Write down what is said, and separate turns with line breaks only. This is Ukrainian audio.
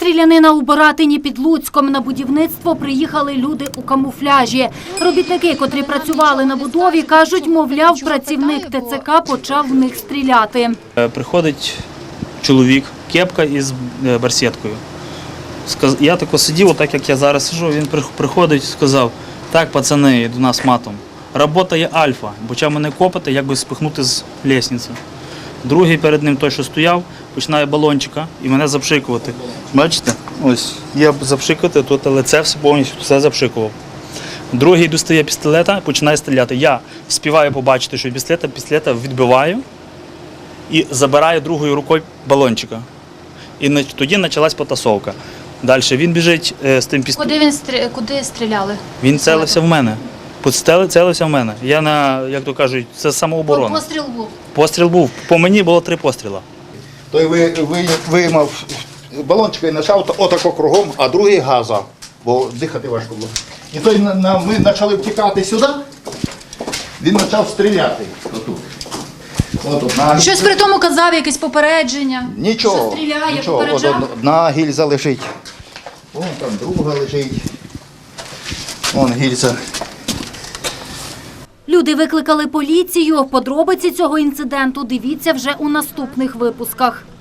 Стрілянина у Баратині під Луцьком. На будівництво приїхали люди у камуфляжі. Робітники, котрі працювали на будові, кажуть, мовляв, працівник ТЦК почав в них стріляти.
Приходить чоловік, кепка із барсеткою. Я тако сидів, отак як я зараз сиджу, він приходить і сказав: так, пацани, до нас матом. Робота є альфа. Почав мене копати, як би спихнути з лестниці. Другий перед ним, той, що стояв, починає балончика і мене запшикувати. Бачите? Ось, я запшикувати, тут лице все повністю все запшикував. Другий достає пістолета, починає стріляти. Я співаю побачити, що пістолета відбиваю і забираю другою рукою балончика. І тоді почалась потасовка. Далі він біжить з тим пістолетом.
Куди стріляли?
Він цілився в мене. Цілився в мене. Я як то кажуть, це самооборона.
Постріл був?
Постріл був. По мені було 3 постріли.
Той виймав балончика і почав отако кругом, а другий газа, бо дихати важко було. І той ми почали втікати сюди, він почав стріляти отут.
Щось при тому казав, якесь попередження?
Нічого,
Що стріляє,
нічого.
попереджав?
Одна гільза лежить, вон там друга лежить, вон гільза.
Люди викликали поліцію. Подробиці цього інциденту дивіться вже у наступних випусках.